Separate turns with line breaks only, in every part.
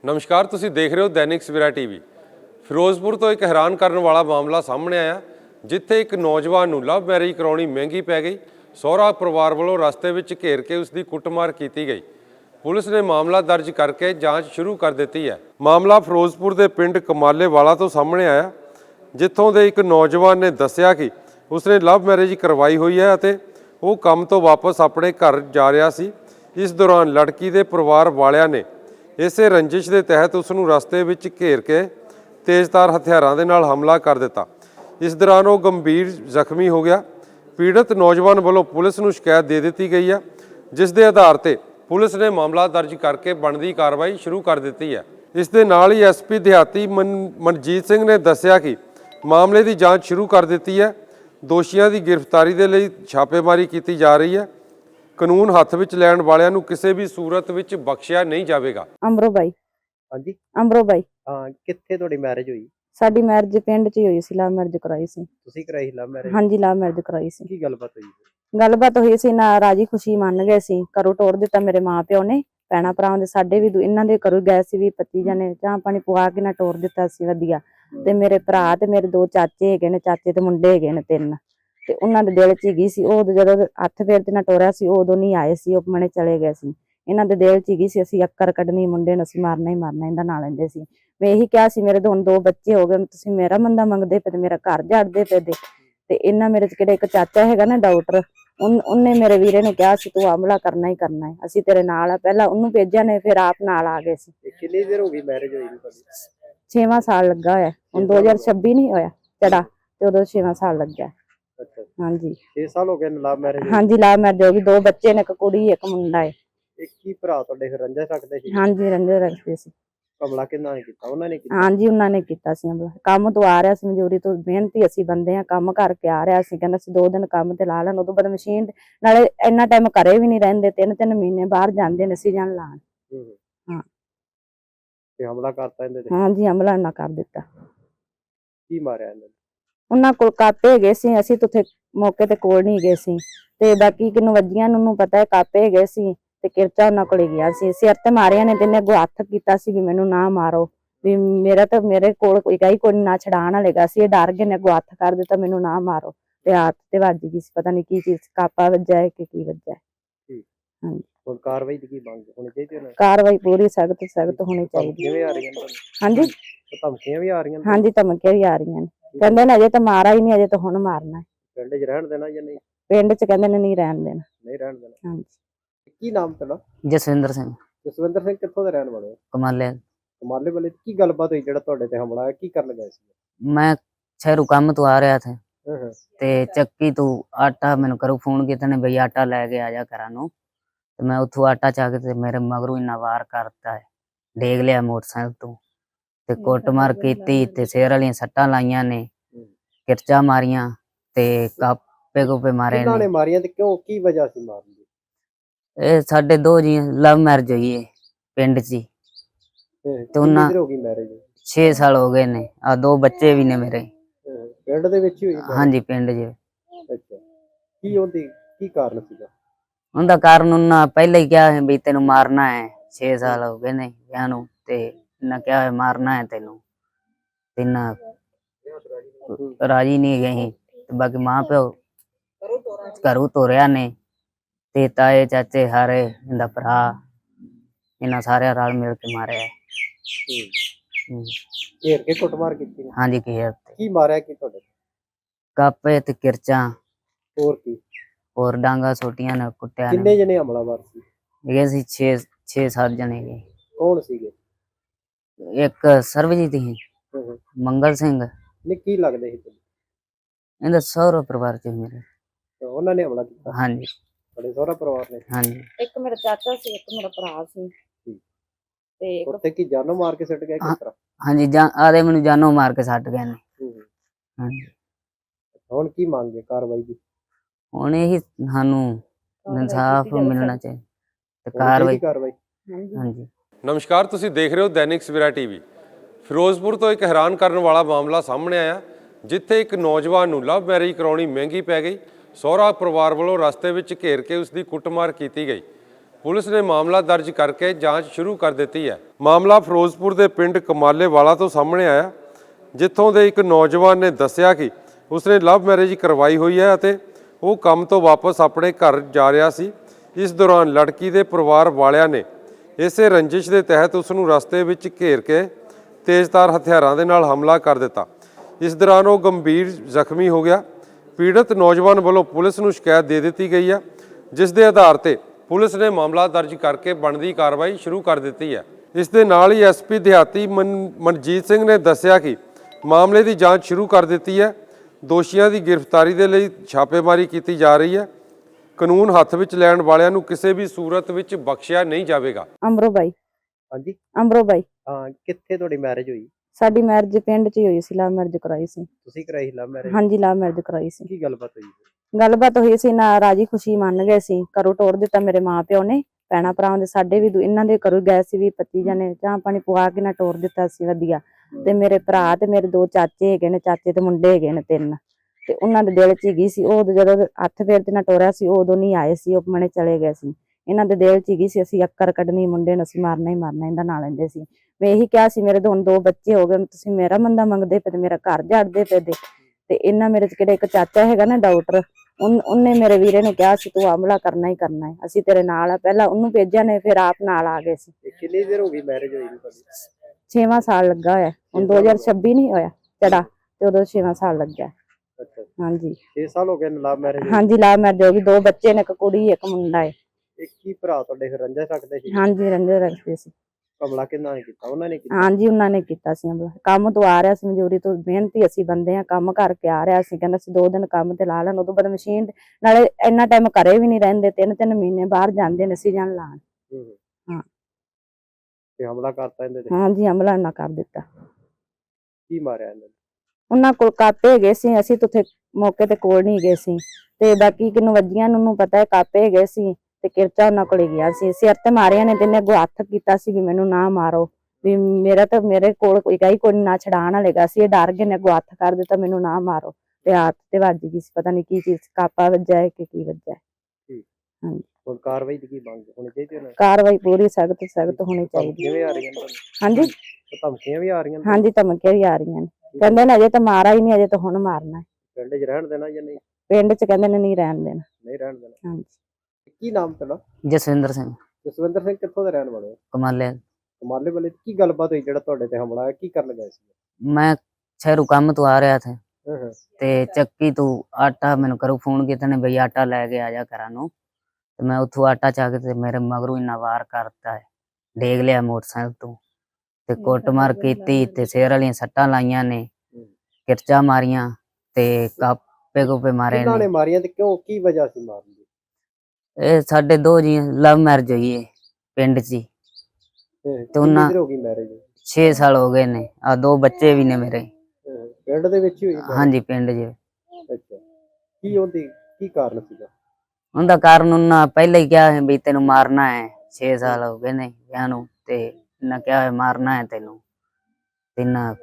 ਨਮਸਕਾਰ, ਤੁਸੀਂ ਦੇਖ ਰਹੇ ਹੋ ਦੈਨਿਕ ਸਵੇਰਾ ਟੀਵੀ। ਫਿਰੋਜ਼ਪੁਰ ਤੋਂ ਇੱਕ ਹੈਰਾਨ ਕਰਨ ਵਾਲਾ ਮਾਮਲਾ ਸਾਹਮਣੇ ਆਇਆ, ਜਿੱਥੇ ਇੱਕ ਨੌਜਵਾਨ ਨੂੰ ਲਵ ਮੈਰਿਜ ਕਰਾਉਣੀ ਮਹਿੰਗੀ ਪੈ ਗਈ। ਸਹੁਰਾ ਪਰਿਵਾਰ ਵੱਲੋਂ ਰਸਤੇ ਵਿੱਚ ਘੇਰ ਕੇ ਉਸ ਦੀ ਕੁੱਟਮਾਰ ਕੀਤੀ ਗਈ। ਪੁਲਿਸ ਨੇ ਮਾਮਲਾ ਦਰਜ ਕਰਕੇ ਜਾਂਚ ਸ਼ੁਰੂ ਕਰ ਦਿੱਤੀ ਹੈ। ਮਾਮਲਾ ਫਿਰੋਜ਼ਪੁਰ ਦੇ ਪਿੰਡ ਕਮਾਲੇ ਵਾਲਾ ਤੋਂ ਸਾਹਮਣੇ ਆਇਆ, ਜਿੱਥੋਂ ਦੇ ਇੱਕ ਨੌਜਵਾਨ ਨੇ ਦੱਸਿਆ ਕਿ ਉਸਨੇ ਲਵ ਮੈਰਿਜ ਕਰਵਾਈ ਹੋਈ ਹੈ ਅਤੇ ਉਹ ਕੰਮ ਤੋਂ ਵਾਪਸ ਆਪਣੇ ਘਰ ਜਾ ਰਿਹਾ ਸੀ। ਇਸ ਦੌਰਾਨ ਲੜਕੀ ਦੇ ਪਰਿਵਾਰ ਵਾਲਿਆਂ ਨੇ ਇਸੇ ਰੰਜਿਸ਼ ਦੇ ਤਹਿਤ ਉਸ ਨੂੰ ਰਸਤੇ ਵਿੱਚ ਘੇਰ ਕੇ ਤੇਜ਼ਧਾਰ ਹਥਿਆਰਾਂ ਦੇ ਨਾਲ ਹਮਲਾ ਕਰ ਦਿੱਤਾ। ਇਸ ਦੌਰਾਨ ਉਹ ਗੰਭੀਰ ਜ਼ਖਮੀ ਹੋ ਗਿਆ। ਪੀੜਤ ਨੌਜਵਾਨ ਵੱਲੋਂ ਪੁਲਿਸ ਨੂੰ ਸ਼ਿਕਾਇਤ ਦੇ ਦਿੱਤੀ ਗਈ ਹੈ, ਜਿਸ ਦੇ ਆਧਾਰ ਤੇ ਪੁਲਿਸ ਨੇ ਮਾਮਲਾ ਦਰਜ ਕਰਕੇ ਬਣਦੀ ਕਾਰਵਾਈ ਸ਼ੁਰੂ ਕਰ ਦਿੱਤੀ ਹੈ। ਇਸ ਦੇ ਨਾਲ ਹੀ ਐਸਪੀ ਦਿਹਾਤੀ ਮਨਜੀਤ ਸਿੰਘ ਨੇ ਦੱਸਿਆ ਕਿ ਮਾਮਲੇ ਦੀ ਜਾਂਚ ਸ਼ੁਰੂ ਕਰ ਦਿੱਤੀ ਹੈ। ਦੋਸ਼ੀਆਂ ਦੀ ਗ੍ਰਿਫਤਾਰੀ ਦੇ ਲਈ ਛਾਪੇਮਾਰੀ ਕੀਤੀ ਜਾ ਰਹੀ ਹੈ। ਕਾਨੂੰਨ ਹੱਥ ਵਿੱਚ ਲੈਣ ਵਾਲਿਆਂ ਨੂੰ ਕਿਸੇ ਵੀ ਸੂਰਤ ਵਿੱਚ ਬਖਸ਼ਿਆ ਨਹੀਂ ਜਾਵੇਗਾ।
ਅਮਰੋ ਬਾਈ।
ਹਾਂਜੀ
ਅਮਰੋ ਬਾਈ।
ਹਾਂ, ਕਿੱਥੇ ਤੁਹਾਡੀ ਮੈਰਿਜ ਹੋਈ?
ਸਾਡੀ ਮੈਰਿਜ ਪਿੰਡ 'ਚ ਹੀ ਹੋਈ ਸੀ। ਲਵ ਮੈਰਿਜ ਕਰਾਈ ਸੀ।
ਤੁਸੀਂ ਕਰਾਈ ਸੀ ਲਵ ਮੈਰਿਜ?
ਹਾਂਜੀ, ਲਵ ਮੈਰਿਜ ਕਰਾਈ ਸੀ।
ਕੀ ਗੱਲਬਾਤ ਹੋਈ?
ਗੱਲਬਾਤ ਹੋਈ ਸੀ ਨਾ, ਰਾਜੀ ਖੁਸ਼ੀ ਮੰਨ ਗਏ ਸੀ। ਘਰੋਂ ਤੋੜ ਦਿੱਤਾ ਮੇਰੇ ਮਾਂ ਪਿਓ ਨੇ। ਭੈਣਾਂ ਭਰਾਵਾਂ ਦੇ ਸਾਡੇ ਵੀ ਇਹਨਾਂ ਦੇ ਘਰੋਂ ਗਏ ਸੀ। 20-25 ਜਣੇ ਚਾਹ ਪਾਣੀ ਪਵਾ ਕੇ ਨਾ ਤੋੜ ਦਿੱਤਾ ਸੀ ਵਧੀਆ। ਤੇ ਮੇਰੇ ਭਰਾ ਤੇ ਮੇਰੇ 2 ਚਾਚੇ ਹੈਗੇ ਨੇ, ਚਾਚੇ ਤੇ ਮੁੰਡੇ ਹੈਗੇ ਨੇ 3, ਤੇ ਉਹਨਾਂ ਦੇ ਦਿਲ 'ਚ ਹੈਗੀ ਸੀ। ਉਹ ਜਦੋਂ ਹੱਥ ਫੇਰ ਤੇ ਨਾ ਤੋੜਿਆ ਸੀ, ਉਦੋਂ ਨਹੀਂ ਆਏ ਸੀ, ਉਹ ਮਨੇ ਚਲੇ ਗਏ ਸੀ। ਇਹਨਾਂ ਦੇ ਦਿਲ 'ਚ ਹੈਗੀ ਸੀ ਅਸੀਂ ਅੱਕਰ ਕੱਢਣੀ, ਮੁੰਡੇ ਨੂੰ ਅਸੀਂ ਮਾਰਨਾ ਹੀ ਮਾਰਨਾ, ਇਹਦਾ ਨਾਂ ਲੈਂਦੇ ਸੀ। ਮੈਂ ਇਹੀ ਕਿਹਾ ਸੀ, ਮੇਰੇ ਹੁਣ 2 ਬੱਚੇ ਹੋ ਗਏ, ਤੁਸੀਂ ਮੇਰਾ ਮੰਦਾ ਮੰਗਦੇ ਪਏ ਤੇ ਮੇਰਾ ਘਰ ਝਾੜਦੇ ਪਏ ਦੇ। ਤੇ ਇਹਨਾਂ ਮੇਰੇ 'ਚ ਕਿਹੜਾ ਇੱਕ ਚਾਚਾ ਹੈਗਾ ਨਾ ਡਾਕਟਰ, ਉਹਨੇ ਮੇਰੇ ਵੀਰੇ ਨੇ ਕਿਹਾ ਸੀ ਤੂੰ ਹਮਲਾ ਕਰਨਾ ਹੀ ਕਰਨਾ ਹੈ, ਅਸੀਂ ਤੇਰੇ ਨਾਲ ਆ। ਪਹਿਲਾਂ ਉਹਨੂੰ ਭੇਜਿਆ ਨੇ, ਫਿਰ ਆਪ ਨਾਲ ਆ ਗਏ ਸੀ।
ਕਿੰਨੀ ਦੇਰ ਹੋ ਗਈ ਮੈਰਿਜ ਹੋਈ ਤੁਹਾਡੀ?
6ਵਾਂ ਸਾਲ ਲੱਗਾ ਹੋਇਆ। ਹੁਣ 2026 ਨਹੀਂ ਹੋਇਆ ਚੜਾ, ਤੇ ਉਦੋਂ 6ਵਾਂ ਸਾਲ ਲੱਗਾ।
ਅੱਛਾ,
ਹਾਂਜੀ
6 ਸਾਲ ਹੋ ਗਏ ਲਵ ਮੈਰਿਜ?
ਹਾਂਜੀ, ਲਵ ਮੈਰਿਜ ਹੋ ਗਈ। 2 ਬੱਚੇ ਨੇ, ਇੱਕ ਕੁੜੀ ਇੱਕ ਮੁੰਡਾ ਹੈ।
ਇੱਕ ਹੀ ਭਰਾ ਤੁਹਾਡੇ ਫਿਰ ਰੰਜਾ ਰੱਖਦੇ ਸੀ?
ਹਾਂਜੀ, ਰੰਜੇ ਰੱਖਦੇ ਸੀ।
ਹਮਲਾ ਕਿੰਨਾ ਨੇ ਕੀਤਾ? ਉਹਨਾਂ ਨੇ ਕੀਤਾ?
ਹਾਂਜੀ, ਉਹਨਾਂ ਨੇ ਕੀਤਾ ਸੀ ਹਮਲਾ। ਕੰਮ ਤੋਂ ਆ ਰਿਹਾ ਸੀ, ਮਜ਼ਦੂਰੀ ਤੋਂ, ਮਿਹਨਤੀ ਅਸੀਂ ਬੰਦੇ ਆ, ਕੰਮ ਕਰਕੇ ਆ ਰਿਹਾ ਸੀ। ਕਹਿੰਦਾ ਸੀ 2 ਦਿਨ ਕੰਮ ਤੇ ਲਾ ਲੈਣ, ਉਦੋਂ ਬਾਅਦ ਮਸ਼ੀਨ ਨਾਲੇ ਇੰਨਾ ਟਾਈਮ ਘਰੇ ਵੀ ਨਹੀਂ ਰਹਿੰਦੇ, 3-3 ਮਹੀਨੇ ਬਾਹਰ ਜਾਂਦੇ ਨੇ ਸੀਜ਼ਨ ਲਾਣ। ਹਾਂ,
ਤੇ ਹਮਲਾ ਕਰਤਾ ਇਹਦੇ ਤੇ?
ਹਾਂਜੀ, ਹਮਲਾ ਨਾ ਕਰ ਦਿੱਤਾ।
ਕੀ ਮਾਰਿਆ ਇਹਨਾਂ ਨੇ?
ਉਹਨਾਂ ਕੋਲ ਕਾਪੇ ਹੈਗੇ ਸੀ, ਅਸੀਂ ਤਾਂ ਉੱਥੇ ਮੌਕੇ ਤੇ ਕੋਲ ਨਹੀਂ ਗਏ ਸੀ। ਤੇ ਬਾਕੀ ਕਿਨੂੰ ਵੱਜੀਆਂ ਨੂੰ ਪਤਾ ਹੈ, ਕਾਪੇ ਹੈਗੇ ਸੀ ਤੇ ਕਿਰਚਾ ਉਹਨਾਂ ਕੋਲ ਗਿਆ ਸੀ। ਸਿਰ ਤੇ ਮਾਰਿਆ ਨੇ, ਤੇ ਇਹਨੇ ਅੱਗੋਂ ਹੱਥ ਕੀਤਾ ਸੀ ਵੀ ਮੈਨੂੰ ਨਾ ਮਾਰੋ, ਵੀ ਮੇਰਾ ਤਾਂ ਮੇਰੇ ਕੋਲ ਕੋਈ ਨਾ ਛਡਾਣ ਵਾਲੇਗਾ ਸੀ। ਇਹ ਡਰ ਗਏ ਨੇ, ਅੱਗੋਂ ਹੱਥ ਕਰ ਦਿੱਤਾ ਮੈਨੂੰ ਨਾ ਮਾਰੋ, ਤੇ ਹੱਥ ਤੇ ਵੱਜ ਗਈ ਸੀ। ਪਤਾ ਨਹੀਂ ਕੀ ਚੀਜ਼, ਕਾਪਾ ਵੱਜਾ ਹੈ ਕਿ ਕੀ ਵੱਜਾ ਹੈ। ਹਾਂਜੀ,
ਹੁਣ ਕਾਰਵਾਈ ਦੀ ਕੀ ਮੰਗ ਹੋਣੀ ਚਾਹੀਦੀ ਹੈ?
ਕਾਰਵਾਈ ਪੂਰੀ ਸਖਤ ਹੋਣੀ ਚਾਹੀਦੀ ਹੈ।
ਕਿਵੇਂ ਆ ਰਹੀਆਂ ਤੁਹਾਨੂੰ?
ਹਾਂਜੀ,
ਧਮਕੀਆਂ ਵੀ ਆ ਰਹੀਆਂ?
ਹਾਂਜੀ, ਧਮਕੀਆਂ ਵੀ ਆ ਰਹੀਆਂ ਨੇ। ਕਹਿੰਦੇ ਨੇ ਅਜੇ ਤਾਂ ਮਾਰਾ ਹੀ ਨਹੀਂ, ਅਜੇ ਤਾਂ ਹੁਣ ਮਾਰਨਾ ਹੈ।
ਪਿੰਡ 'ਚ ਰਹਿਣ ਦੇਣਾ ਜਾਂ ਨਹੀਂ?
ਪਿੰਡ 'ਚ ਕਹਿੰਦੇ ਨੇ ਨਹੀਂ ਰਹਿਣ ਦੇਣਾ।
ਨਹੀਂ ਰਹਿਣ ਦੇਣਾ।
ਹਾਂਜੀ।
ਕੀ ਨਾਮ ਤੁਹਾਡਾ?
ਜਸਵਿੰਦਰ ਸਿੰਘ,
ਜਸਵਿੰਦਰ ਸਿੰਘ। ਕਿੱਥੋਂ ਦੇ ਰਹਿਣ ਵਾਲੇ ਹੋ?
ਕਮਾਲੇ।
ਕਮਾਲੇ ਵਾਲੇ। ਕੀ ਗੱਲਬਾਤ ਹੋਈ ਜਿਹੜਾ ਤੁਹਾਡੇ ਤੇ ਹਮਲਾ ਹੈ? ਕੀ ਕਰਨ ਗਏ ਸੀ?
मैं शहरों काम तो आ रहा था
ਹਾਂ
ते ਚੱਕੀ तू आटा मैंने करो फोन किया ने भई आटा लेके आ जा घरा नु। ते मैं उथों आटा चा के ते मेरे मगरों इन्ना वार करता है, डेग लिया मोटरसाइकिल तो ते कुटमार कीती ते सिर वालियां सट्टां लाइयां ने, किरचा मारियां ते कापे कूपे मारे
किन्ना ने
ने।
मारियां ते क्यों, की वजह सी मारन दी?
ए साडे 2 जी लव मैरिज हुई है पिंड च।
किन्नी
उन्ना-
देर हो गई मैरिज?
6 साल हो गए ने। आ 2 बच्चे भी ने मेरे।
ਪਿੰਡ ਦੇ ਵਿੱਚ ਹੀ ਹੋਈ marriage?
हाँ जी, पिंड च।
ਅੱਛਾ, ਕੀ ਉਹਦੀ ਕੀ ਕਾਰਨ ਸੀਗਾ?
ਉਹਦਾ ਕਾਰਨ ਉਹਨਾਂ ਪਹਿਲਾਂ ਹੀ ਕਿਹਾ ਹੈ ਵੀ ਤੈਨੂੰ ਮਾਰਨਾ ਹੈ। 6 ਸਾਲ ਹੋ ਗਏ ਨੇ ਵਿਆਹ ਨੂੰ ਤੇ ਇਹਨਾਂ ਕਿਹਾ ਹੈ ਮਾਰਨਾ ਹੈ ਤੈਨੂੰ, ਤੇ ਇਹਨਾਂ ਰਾਜੀ ਨਹੀਂ ਗਏ ਤੇ ਬਾਕੀ ਮਾਂ ਪਿਓ ਘਰੋਂ ਤੋਰਿਆ ਨੇ ਤੇ ਤਾਏ ਚਾਚੇ ਹਾਰੇ ਇਹਦਾ ਭਰਾ, ਇਹਨਾਂ ਸਾਰਿਆਂ ਰਲ ਮਿਲ ਕੇ ਮਾਰਿਆ।
ਘੇਰ ਕੇ ਕੁੱਟਮਾਰ ਕੀਤੀ?
ਹਾਂਜੀ, ਘੇਰ ਤੇ
ਕੀ ਮਾਰਿਆ ਕੀ ਤੁਹਾਡੇ?
ਕਾਪੇ ਤੇ ਕਿਰਚਾਂ,
ਹੋਰ ਕੀ?
ਹੋਰ ਡਾਂਗਾ ਛੋਟੀਆਂ ਨੇ ਕੁੱਟਿਆ
ਕਿੰਨੇ
ਨੇ।
ਜਣੇ ਹਮਲਾਵਰ ਸੀ?
ਇਹ ਸੀ 6-7 ਜਣੇ ਗਏ।
ਕੌਣ ਸੀਗੇ?
ਇੱਕ ਸਰਬਜੀਤ ਸੀ, ਮੰਗਲ ਸਿੰਘ,
ਨੇ ਕੀ ਲੱਗਦੇ ਸੀ ਤੁਹਾਨੂੰ?
ਇਹਦਾ ਸਹੁਰਾ ਪਰਿਵਾਰ ਚ ਮੇਰੇ।
ਤੇ ਉਹਨਾਂ ਨੇ ਹਮਲਾ ਕੀਤਾ?
ਹਾਂਜੀ
ਤੁਹਾਡੇ ਸਹੁਰਾ ਪਰਿਵਾਰ ਨੇ?
ਹਾਂਜੀ।
ਇੱਕ ਮੇਰਾ ਚਾਚਾ ਸੀ, ਇੱਕ ਮੇਰਾ ਭਰਾ ਸੀ। ਤੇ
ਉੱਤੇ ਕੀ ਜਾਨੋਂ ਮਾਰ ਕੇ ਸੁੱਟ ਗਿਆ ਕਿਸ ਤਰ੍ਹਾਂ?
ਹਾਂਜੀ, ਆਦੇ ਮੈਨੂੰ ਜਾਨੋਂ ਮਾਰ ਕੇ ਛੱਡ ਗਏ ਨੇ। ਹਾਂਜੀ,
ਹੁਣ ਕੀ ਮੰਗੇ ਕਾਰਵਾਈ ਦੀ?
ਹੁਣ ਇਹੀ ਸਾਨੂੰ ਇਨਸਾਫ ਮਿਲਣਾ ਚਾਹੀਦਾ ਤੇ
ਕਾਰਵਾਈ?
ਕਾਰਵਾਈ। ਹਾਂਜੀ।
ਨਮਸਕਾਰ, ਤੁਸੀਂ ਦੇਖ ਰਹੇ ਹੋ ਦੈਨਿਕ ਸਵੇਰਾ ਟੀਵੀ। ਫਿਰੋਜ਼ਪੁਰ ਤੋਂ ਇੱਕ ਹੈਰਾਨ ਕਰਨ ਵਾਲਾ ਮਾਮਲਾ ਸਾਹਮਣੇ ਆਇਆ, ਜਿੱਥੇ ਇੱਕ ਨੌਜਵਾਨ ਨੂੰ ਲਵ ਮੈਰਿਜ ਕਰਾਉਣੀ ਮਹਿੰਗੀ ਪੈ ਗਈ। ਸਹੁਰਾ ਪਰਿਵਾਰ ਵੱਲੋਂ ਰਸਤੇ ਵਿੱਚ ਘੇਰ ਕੇ ਉਸ ਦੀ ਕੁੱਟਮਾਰ ਕੀਤੀ ਗਈ। ਪੁਲਿਸ ਨੇ ਮਾਮਲਾ ਦਰਜ ਕਰਕੇ ਜਾਂਚ ਸ਼ੁਰੂ ਕਰ ਦਿੱਤੀ ਹੈ। ਮਾਮਲਾ ਫਿਰੋਜ਼ਪੁਰ ਦੇ ਪਿੰਡ ਕਮਾਲੇਵਾਲਾ ਤੋਂ ਸਾਹਮਣੇ ਆਇਆ, ਜਿੱਥੋਂ ਦੇ ਇੱਕ ਨੌਜਵਾਨ ਨੇ ਦੱਸਿਆ ਕਿ ਉਸਨੇ ਲਵ ਮੈਰਿਜ ਕਰਵਾਈ ਹੋਈ ਹੈ ਅਤੇ ਉਹ ਕੰਮ ਤੋਂ ਵਾਪਸ ਆਪਣੇ ਘਰ ਜਾ ਰਿਹਾ ਸੀ। ਇਸ ਦੌਰਾਨ ਲੜਕੀ ਦੇ ਪਰਿਵਾਰ ਵਾਲਿਆਂ ਨੇ ਇਸੇ ਰੰਜਿਸ਼ ਦੇ ਤਹਿਤ ਉਸ ਨੂੰ ਰਸਤੇ ਵਿੱਚ ਘੇਰ ਕੇ ਤੇਜ਼ਧਾਰ ਹਥਿਆਰਾਂ ਦੇ ਨਾਲ ਹਮਲਾ ਕਰ ਦਿੱਤਾ। ਇਸ ਦੌਰਾਨ ਉਹ ਗੰਭੀਰ ਜ਼ਖਮੀ ਹੋ ਗਿਆ। ਪੀੜਤ ਨੌਜਵਾਨ ਵੱਲੋਂ ਪੁਲਿਸ ਨੂੰ ਸ਼ਿਕਾਇਤ ਦੇ ਦਿੱਤੀ ਗਈ ਹੈ, ਜਿਸ ਦੇ ਆਧਾਰ ਤੇ ਪੁਲਿਸ ਨੇ ਮਾਮਲਾ ਦਰਜ ਕਰਕੇ ਬਣਦੀ ਕਾਰਵਾਈ ਸ਼ੁਰੂ ਕਰ ਦਿੱਤੀ ਹੈ। ਇਸ ਦੇ ਨਾਲ ਹੀ ਐਸਪੀ ਦਿਹਾਤੀ ਮਨਜੀਤ ਸਿੰਘ ਨੇ ਦੱਸਿਆ ਕਿ ਮਾਮਲੇ ਦੀ ਜਾਂਚ ਸ਼ੁਰੂ ਕਰ ਦਿੱਤੀ ਹੈ। ਦੋਸ਼ੀਆਂ ਦੀ ਗ੍ਰਿਫਤਾਰੀ ਦੇ ਲਈ ਛਾਪੇਮਾਰੀ ਕੀਤੀ ਜਾ ਰਹੀ ਹੈ। ਕਾਨੂੰਨ ਹੱਥ ਵਿੱਚ ਲੈਣ ਵਾਲਿਆਂ ਨੂੰ ਕਿਸੇ ਵੀ ਸੂਰਤ ਵਿੱਚ ਬਖਸ਼ਿਆ ਨਹੀਂ ਜਾਵੇਗਾ।
ਅਮਰੋ ਬਾਈ।
ਹਾਂਜੀ।
ਅਮਰੋ ਬਾਈ।
ਹਾਂ, ਕਿੱਥੇ ਤੁਹਾਡੀ ਮੈਰਿਜ ਹੋਈ?
ਸਾਡੀ ਮੈਰਿਜ ਪਿੰਡ 'ਚ ਹੀ ਹੋਈ ਸੀ, ਲਵ ਮੈਰਿਜ ਕਰਾਈ ਸੀ।
ਤੁਸੀਂ ਕਰਾਈ ਸੀ ਲਵ ਮੈਰਿਜ?
ਹਾਂਜੀ, ਲਵ ਮੈਰਿਜ ਕਰਾਈ ਸੀ।
ਕੀ ਗੱਲਬਾਤ ਹੋਈ?
ਗੱਲਬਾਤ ਹੋਈ ਸੀ ਨਾ, ਰਾਜੀ ਖੁਸ਼ੀ ਮੰਨ ਗਏ ਸੀ। ਘਰੋਂ ਤੋੜ ਦਿੱਤਾ ਮੇਰੇ ਮਾਪਿਓ ਨੇ, ਭੈਣਾਂ ਭਰਾਵਾਂ ਦੇ ਸਾਡੇ ਵੀ ਇਹਨਾਂ ਦੇ ਘਰੋਂ ਗਏ ਸੀ ਵੀ 25 ਜਣੇ, ਚਾਹ ਪਾਣੀ ਪਵਾ ਕੇ ਨਾ ਤੋੜ ਦਿੱਤਾ ਸੀ ਵਧੀਆ। ਤੇ ਮੇਰੇ ਭਰਾ ਤੇ ਮੇਰੇ 2 ਚਾਚੇ ਹੈਗੇ ਨੇ, ਚਾਚੇ ਤੇ ਮੁੰਡੇ ਹੈਗੇ ਨੇ 3, ਤੇ ਉਹਨਾਂ ਦੇ ਦਿਲ 'ਚ ਹੈਗੀ ਸੀ। ਉਹ ਜਦੋਂ ਹੱਥ ਫੇਰ ਤੇ ਨਾ ਤੋੜਿਆ ਸੀ, ਉਦੋਂ ਨਹੀਂ ਆਏ ਸੀ, ਉਹ ਮਨੇ ਚਲੇ ਗਏ ਸੀ। ਇਹਨਾਂ ਦੇ ਦਿਲ 'ਚ ਹੈਗੀ ਸੀ ਅਸੀਂ ਅੱਕਰ ਕੱਢਣੀ, ਮੁੰਡੇ ਨੂੰ ਅਸੀਂ ਮਾਰਨਾ ਹੀ ਮਾਰਨਾ, ਇਹਦਾ ਨਾਂ ਲੈਂਦੇ ਸੀ। ਮੈਂ ਇਹੀ ਕਿਹਾ ਸੀ ਮੇਰੇ ਹੁਣ 2 ਬੱਚੇ ਹੋ ਗਏ, ਤੁਸੀਂ ਮੇਰਾ ਮੰਦਾ ਮੰਗਦੇ ਪਏ ਤੇ ਮੇਰਾ ਘਰ ਝਾੜਦੇ ਪਏ ਦੇ। ਤੇ ਇਹਨਾਂ ਮੇਰੇ 'ਚ ਕਿਹੜਾ ਇੱਕ ਚਾਚਾ ਹੈਗਾ ਨਾ ਡਾਕਟਰ, ਉਹਨੇ ਮੇਰੇ ਵੀਰੇ ਨੂੰ ਕਿਹਾ ਸੀ ਤੂੰ ਹਮਲਾ ਕਰਨਾ ਹੀ ਕਰਨਾ ਹੈ, ਅਸੀਂ ਤੇਰੇ ਨਾਲ ਆ। ਪਹਿਲਾਂ ਉਹਨੂੰ ਭੇਜਿਆ ਨੇ, ਫਿਰ ਆਪ ਨਾਲ ਆ ਗਏ ਸੀ।
ਕਿੰਨੀ ਦੇਰ ਹੋ ਗਈ ਮੈਰਿਜ ਹੋਈ ਨੂੰ ਤੁਹਾਡੀ?
6ਵਾਂ ਸਾਲ ਲੱਗਾ ਹੋਇਆ ਹੁਣ, 2026 ਨਹੀਂ ਹੋਇਆ ਚੜਾ ਤੇ ਉਦੋਂ 6ਵਾਂ ਸਾਲ ਲੱਗਾ।
ਅੱਛਾ।
ਹਾਂਜੀ
6 ਸਾਲ ਹੋ ਗਏ ਲਵ ਮੈਰਿਜ?
ਹਾਂਜੀ, ਲਵ ਮੈਰਿਜ ਹੋ ਗਈ। 2 ਬੱਚੇ ਨੇ, ਇੱਕ ਕੁੜੀ ਇੱਕ ਮੁੰਡਾ ਹੈ।
ਇੱਕ ਹੀ ਭਰਾ ਤੁਹਾਡੇ ਫਿਰ ਰੰਜਾ ਰੱਖਦੇ ਸੀ?
ਹਾਂਜੀ, ਰੰਜੇ ਰੱਖਦੇ ਸੀ।
ਹਮਲਾ ਕਿੰਨਾ ਨੇ ਕੀਤਾ? ਉਹਨਾਂ ਨੇ ਕੀਤਾ?
ਹਾਂਜੀ, ਉਹਨਾਂ ਨੇ ਕੀਤਾ ਸੀ ਹਮਲਾ। ਕੰਮ ਤੋਂ ਆ ਰਿਹਾ ਸੀ, ਮਜ਼ਦੂਰੀ ਤੋਂ, ਮਿਹਨਤੀ ਅਸੀਂ ਬੰਦੇ ਆ, ਕੰਮ ਕਰਕੇ ਆ ਰਿਹਾ ਸੀ। ਕਹਿੰਦਾ ਸੀ 2 ਦਿਨ ਕੰਮ ਤੇ ਲਾ ਲੈਣ, ਉਦੋਂ ਬਾਅਦ ਮਸ਼ੀਨ ਨਾਲੇ ਇੰਨਾ ਟਾਈਮ ਘਰੇ ਵੀ ਨਹੀਂ ਰਹਿੰਦੇ, 3-3 ਮਹੀਨੇ ਬਾਹਰ ਜਾਂਦੇ ਨੇ ਸੀਜ਼ਨ ਲਾਣ। ਹਾਂ।
ਤੇ ਹਮਲਾ ਕਰਤਾ ਇਹਦੇ ਤੇ?
ਹਾਂਜੀ, ਹਮਲਾ ਨਾ ਕਰ ਦਿੱਤਾ।
ਕੀ ਮਾਰਿਆ ਇਹਨਾਂ ਨੇ?
ਉਹਨਾਂ ਕੋਲ ਕਾਪੇ ਹੈਗੇ ਸੀ, ਅਸੀਂ ਤਾਂ ਉੱਥੇ ਮੌਕੇ ਤੇ ਕੋਲ ਨਹੀਂ ਗਏ ਸੀ। ਤੇ ਬਾਕੀ ਕਿਨੂੰ ਵੱਜੀਆਂ ਨੂੰ ਪਤਾ ਹੈ, ਕਾਪੇ ਹੈਗੇ ਸੀ ਤੇ ਕਿਰਚਾ ਉਹਨਾਂ ਕੋਲ ਗਿਆ ਸੀ। ਸਿਰ ਤੇ ਮਾਰਿਆ ਨੇ, ਤੇ ਇਹਨੇ ਅੱਗੋਂ ਹੱਥ ਕੀਤਾ ਸੀ ਵੀ ਮੈਨੂੰ ਨਾ ਮਾਰੋ, ਵੀ ਮੇਰਾ ਤਾਂ ਮੇਰੇ ਕੋਲ ਕੋਈ ਨਾ ਛਡਾਣ ਵਾਲੇਗਾ ਸੀ। ਇਹ ਡਰ ਗਏ ਨੇ, ਅੱਗੋਂ ਹੱਥ ਕਰ ਦਿੱਤਾ ਮੈਨੂੰ ਨਾ ਮਾਰੋ, ਤੇ ਹੱਥ ਤੇ ਵੱਜ ਗਈ ਸੀ, ਪਤਾ ਨਹੀਂ ਕੀ ਚੀਜ਼, ਕਾਪਾ ਵੱਜਾ ਹੈ ਕਿ ਕੀ ਵੱਜਾ ਹੈ। ਹਾਂਜੀ।
ਹੁਣ ਕਾਰਵਾਈ ਦੀ ਕੀ ਮੰਗ ਹੋਣੀ ਚਾਹੀਦੀ ਹੈ?
ਕਾਰਵਾਈ ਪੂਰੀ ਸਖਤ ਹੋਣੀ ਚਾਹੀਦੀ
ਕਿਵੇਂ ਆ ਰਹੀਆਂ ਨੇ?
ਹਾਂਜੀ,
ਧਮਕੀਆਂ ਵੀ ਆ ਰਹੀਆਂ ਨੇ?
ਹਾਂਜੀ, ਧਮਕੀਆਂ ਵੀ ਆ ਰਹੀਆਂ ਨੇ। ਕਹਿੰਦੇ ਨੇ ਅਜੇ ਤਾਂ ਮਾਰਾ ਹੀ ਨਹੀਂ, ਅਜੇ ਤਾਂ ਹੁਣ ਮਾਰਨਾ ਹੈ।
ਪਿੰਡ 'ਚ ਰਹਿਣ ਦੇਣਾ ਜਾਂ ਨਹੀਂ?
ਪਿੰਡ 'ਚ ਕਹਿੰਦੇ ਨੇ ਨਹੀਂ ਰਹਿਣ ਦੇਣਾ।
ਨਹੀਂ ਰਹਿਣ ਦੇਣਾ।
ਹਾਂਜੀ।
ਕੀ ਨਾਮ ਤੁਹਾਡਾ?
ਜਸਵਿੰਦਰ ਸਿੰਘ,
ਜਸਵਿੰਦਰ ਸਿੰਘ। ਕਿੱਥੋਂ ਦੇ ਰਹਿਣ ਵਾਲੇ ਹੋ?
ਕਮਾਲੇ।
ਕਮਾਲੇ ਵਾਲੇ। ਕੀ ਗੱਲਬਾਤ ਹੋਈ ਜਿਹੜਾ ਤੁਹਾਡੇ ਤੇ ਹਮਲਾ ਹੈ? ਕੀ ਕਰਨ ਗਏ ਸੀ?
मैं शहरों काम तो आ रहा था
ਹਾਂ।
ते ਚੱਕੀ ਤੋਂ ਆਟਾ ਮੈਨੂੰ ਘਰੋਂ ਫੋਨ ਕੀਤਾ ਨੇ ਬਈ ਆਟਾ ਲੈ ਕੇ ਆ ਜਾ ਘਰਾਂ ਨੂੰ, ਤੇ ਮੈਂ ਉੱਥੋਂ ਆਟਾ ਚੱਕ ਕੇ ਤੇ ਮੇਰੇ ਮਗਰੋਂ ਇੰਨਾ ਵਾਰ ਕਰਤਾ ਹੈ, ਡੇਗ ਲਿਆ ਮੋਟਰਸਾਈਕਲ ਤੋਂ ਤੇ ਕੁੱਟਮਾਰ ਕੀਤੀ ਤੇ ਸਿਰ ਵਾਲੀਆਂ ਸੱਟਾਂ ਲਾਈਆਂ ਨੇ, ਕਿਰਚਾ ਮਾਰੀਆਂ ਤੇ ਕਾਪੇ ਕੋਪੇ ਮਾਰੇ
ਕਿਹਨਾਂ ਨੇ
ਨੇ।
ਮਾਰੀਆਂ ਤੇ ਕਿਉਂ? ਕੀ ਵਜ੍ਹਾ ਸੀ ਮਾਰਨ ਦੀ?
ਇਹ ਸਾਡੇ 2 ਜੀ ਲਵ ਮੈਰਿਜ ਹੋਈ ਹੈ ਪਿੰਡ 'ਚ ਹੀ,
ਕਿੰਨੀ
ਉਹਨਾਂ-
ਦੇਰ ਹੋ ਗਈ ਮੈਰਿਜ?
6 ਸਾਲ ਹੋ ਗਏ ਨੇ, ਆ 2 ਬੱਚੇ ਵੀ ਨੇ ਮੇਰੇ।
ਪਿੰਡ ਦੇ ਵਿੱਚ ਹੀ ਹੋਈ marriage?
ਹਾਂਜੀ, ਪਿੰਡ 'ਚ।
ਅੱਛਾ। ਕੀ ਉਹਦੀ ਕੀ ਕਾਰਨ ਸੀਗਾ?
ਉਹਦਾ ਕਾਰਨ ਉਹਨਾਂ ਪਹਿਲਾਂ ਹੀ ਕਿਹਾ ਹੈ ਵੀ ਤੈਨੂੰ ਮਾਰਨਾ ਹੈ, 6 ਸਾਲ ਹੋ ਗਏ ਨੇ ਵਿਆਹ ਨੂੰ, ਤੇ ਇਹਨਾਂ ਕਿਹਾ ਹੈ ਮਾਰਨਾ ਹੈ ਤੈਨੂੰ, ਤੇ ਇਹਨਾਂ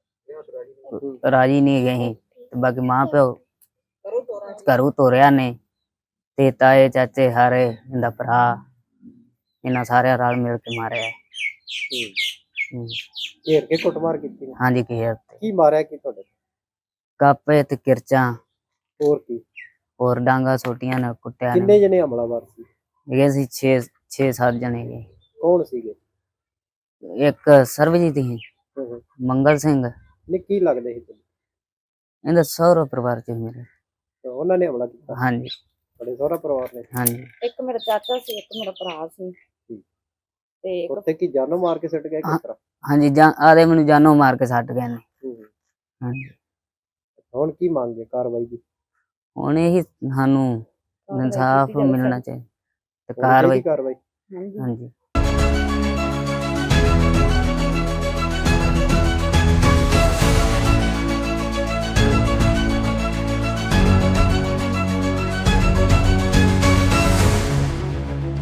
ਰਾਜੀ ਨਹੀਂ ਗਏ ਸੀ। ਤੇ ਬਾਕੀ ਮਾਂ ਪਿਓ ਘਰੋਂ ਤੋਰਿਆ ਨੇ, ਤੇ ਤਾਏ ਚਾਚੇ ਹਾਰੇ, ਇਹਦਾ ਭਰਾ, ਇਹਨਾਂ ਸਾਰਿਆਂ ਰਲ ਮਿਲ ਕੇ ਮਾਰਿਆ ਹੈ।
ਘੇਰ ਕੇ ਕੁੱਟਮਾਰ ਕੀਤੀ ਨੇ?
ਹਾਂਜੀ, ਘੇਰ ਤੇ
ਕੀ ਮਾਰਿਆ ਕੀ ਤੁਹਾਡੇ?
ਕਾਪੇ ਤੇ ਕਿਰਚਾਂ,
ਹੋਰ ਕੀ?
ਹੋਰ ਡਾਂਗਾ ਛੋਟੀਆਂ ਨੇ ਕੁੱਟਿਆ
ਕਿੰਨੇ
ਨੇ।
ਜਣੇ ਹਮਲਾਵਰ ਸੀ?
ਹੈਗੇ ਸੀ 6-7 ਜਣੇ ਗਏ।
ਕੌਣ ਸੀਗੇ?
ਇੱਕ ਸਰਬਜੀਤ ਸੀ, ਮੰਗਲ ਸਿੰਘ,
ਨੇ ਕੀ ਲੱਗਦੇ ਸੀ ਤੁਹਾਨੂੰ?
ਇਹਦਾ ਸਹੁਰਾ ਪਰਿਵਾਰ ਚ ਮੇਰੇ।
ਤੇ ਉਹਨਾਂ ਨੇ ਹਮਲਾ ਕੀਤਾ?
ਹਾਂਜੀ
ਤੁਹਾਡੇ ਸਹੁਰਾ ਪਰਿਵਾਰ ਨੇ?
ਹਾਂਜੀ।
ਇੱਕ ਮੇਰਾ ਚਾਚਾ ਸੀ, ਇੱਕ ਮੇਰਾ ਭਰਾ ਸੀ, ਤੇ
ਉੱਤੇ ਕੀ ਜਾਨੋਂ ਮਾਰ ਕੇ ਸੁੱਟ ਗਿਆ ਕਿਸ ਤਰ੍ਹਾਂ?
ਹਾਂਜੀ, ਆਦੇ ਮੈਨੂੰ ਜਾਨੋਂ ਮਾਰ ਕੇ ਛੱਡ ਗਏ ਨੇ। ਹਾਂਜੀ।
ਹੁਣ ਕੀ ਮੰਗੇ ਕਾਰਵਾਈ ਦੀ?
ਹੁਣ ਇਹੀ ਸਾਨੂੰ ਇਨਸਾਫ ਮਿਲਣਾ ਚਾਹੀਦਾ ਤੇ
ਹੋਣੀ ਚਾਹੀਦੀ
ਕਾਰਵਾਈ।
ਕਾਰਵਾਈ?
ਹਾਂਜੀ।